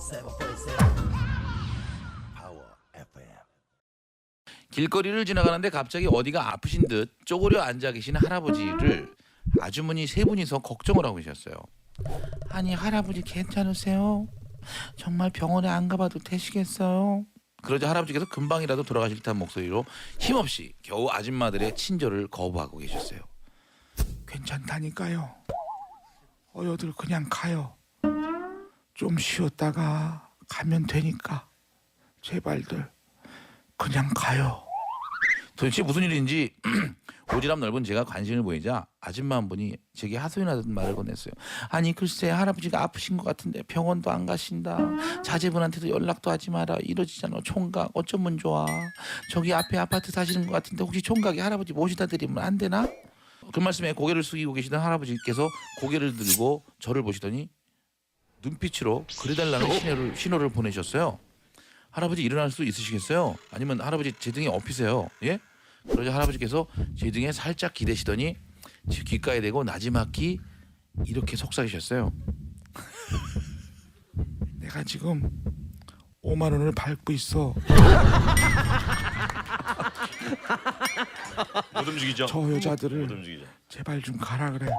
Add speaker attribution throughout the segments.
Speaker 1: 길거리를 지나가는데 갑자기 어디가 아프신 듯 쪼그려 앉아 계신 할아버지를 아주머니 세 분이서 걱정을 하고 계셨어요. 아니 할아버지 괜찮으세요? 정말 병원에 안 가봐도 되시겠어요? 그러자 할아버지께서 금방이라도 돌아가실 듯한 목소리로 힘없이 겨우 아줌마들의 친절을 거부하고 계셨어요.
Speaker 2: 괜찮다니까요. 어여들 그냥 가요. 좀 쉬었다가 가면 되니까 제발들 그냥 가요.
Speaker 1: 도대체 무슨 일인지 오지랖 넓은 제가 관심을 보이자 아줌마 한 분이 제게 하소연하던 말을 건넸어요. 아니 글쎄 할아버지가 아프신 것 같은데 병원도 안 가신다. 자제분한테도 연락도 하지 마라. 이러지잖아. 총각 어쩌면 좋아. 저기 앞에 아파트 사시는 것 같은데 혹시 총각이 할아버지 모시다 드리면 안 되나? 그 말씀에 고개를 숙이고 계시던 할아버지께서 고개를 들고 저를 보시더니 눈빛으로 그래달라는 신호를 보내셨어요. 할아버지 일어날 수 있으시겠어요? 아니면 할아버지 제 등에 엎이세요. 예? 그러자 할아버지께서 제 등에 살짝 기대시더니 제 귓가에 대고 나지막히 이렇게 속삭이셨어요.
Speaker 2: 내가 지금 5만 원을 밟고 있어.
Speaker 3: 못 움직이죠.
Speaker 2: 저
Speaker 3: 못
Speaker 2: 여자들을
Speaker 3: 움직이죠.
Speaker 2: 제발 좀 가라 그래.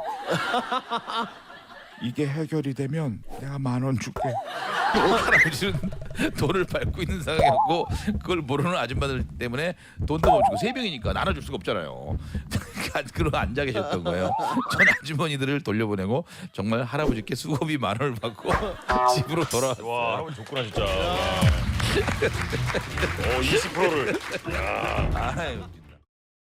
Speaker 2: 이게 해결이 되면 내가 10,000원 줄게.
Speaker 1: 할아버지는 돈을 밟고 있는 상황이었고 그걸 모르는 아줌마들 때문에 돈도 못 주고 세 명이니까 나눠줄 수가 없잖아요. 그러고 앉아 계셨던 거예요. 전 아주머니들을 돌려보내고 정말 할아버지께 수고비 10,000원을 받고 집으로 돌아왔어요.
Speaker 3: 와, 할아버지 좋구나 진짜. 20%를.
Speaker 1: 아유.